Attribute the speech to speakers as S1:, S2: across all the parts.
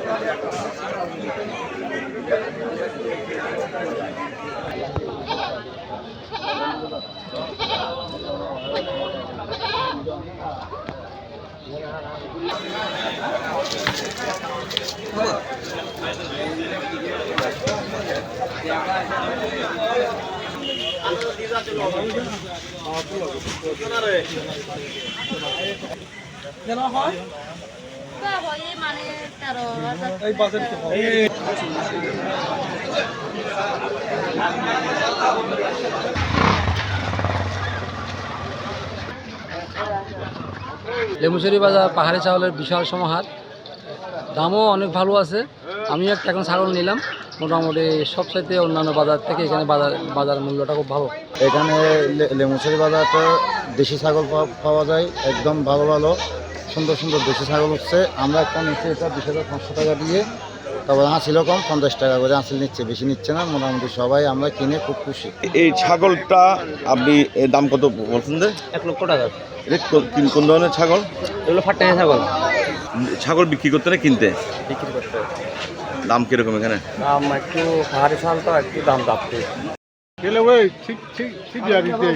S1: লেমুচুরি বাজার পাহাড়ি চাউলের বিশাল সমাহার, দামও অনেক ভালো আছে। আমি একটা এখন ছাগল নিলাম, মোটামুটি সবচাইতে অন্যান্য বাজার থেকে এখানে বাজার মূল্যটা খুব ভালো।
S2: এখানে লেমুচুরি বাজারটা দেশি ছাগল পাওয়া যায়, একদম ভালো ভালো সুন্দর সুন্দর দেশি ছাগল হচ্ছে। আমরা একটা নিচ্ছি এটা 20,500 টাকা দিয়ে, তারপর আঁচিলও কম 50 টাকা করে আঁচিল নিচ্ছে, বেশি নিচ্ছে না। মোটামুটি সবাই আমরা কিনে খুব খুশি।
S3: এই ছাগলটা আপনি দাম কত বলছেন?
S1: 1 লক্ষ টাকা।
S3: এটা কোন ধরনের ছাগল?
S1: এগুলো ফাটানি ছাগল।
S3: ছাগল বিক্রি করতে না কিনতে?
S1: বিক্রি করতে।
S3: দাম কিরকম এখানে?
S1: দাম একটু পাহাড়ি চাল তো একটু দাম যাচ্ছে।
S4: গেলে ওই ঠিক ঠিক ঠিক জারিতে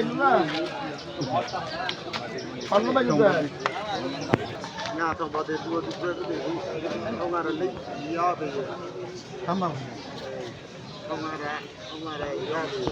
S2: না তো বাদে দুটো हमारा नहीं याद है हमारा याद है।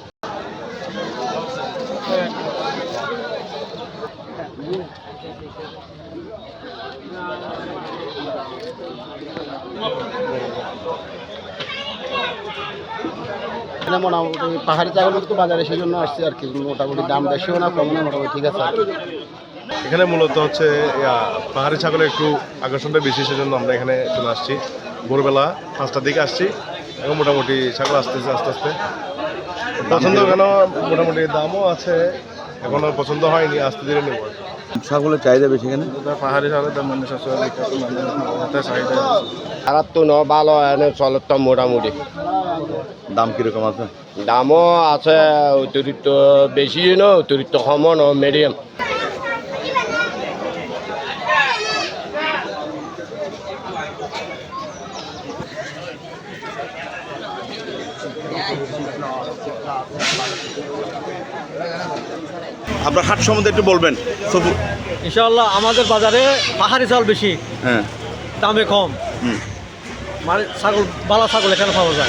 S2: মোটামুটি পাহাড়ি ছাগল তো বাজারে সেই জন্য আসছে আর কি। মোটামুটি দাম বেশিও না কম না, মোটামুটি ঠিক আছে।
S4: এখানে মূলত হচ্ছে পাহাড়ি ছাগলের একটু আকর্ষণটা বেশি, সেজন্য আমরা এখানে চলে আসছি। ভোরবেলা 5টার দিকে আসছি, এখন মোটামুটি ছাগল আসতেছে আস্তে আস্তে। পছন্দ কেন, মোটামুটি দামও আছে, এখনো পছন্দ হয়নি, আস্তে ধীরে নেব।
S3: ছাগলের চাহিদা বেশি এখানে?
S4: পাহাড়ি ছাগলের দাম মানে সবসময় বিখ্যাত, চাহিদা
S2: খারাপ তো ন, ভালো এনে চলে তো মোটামুটি।
S3: দাম কিরকম আছে?
S2: দামও আছে, অতিরিক্ত বেশি ন, অতিরিক্ত কমও ন, মিডিয়াম।
S3: আপনার হাট সম্বন্ধে একটু বলবেন।
S1: ইনশাআল্লাহ আমাদের বাজারে পাহাড়ি চাল বেশি,
S3: হ্যাঁ,
S1: দামে কম। মানে ছাগল, বালা ছাগল এখানে পাওয়া যায়।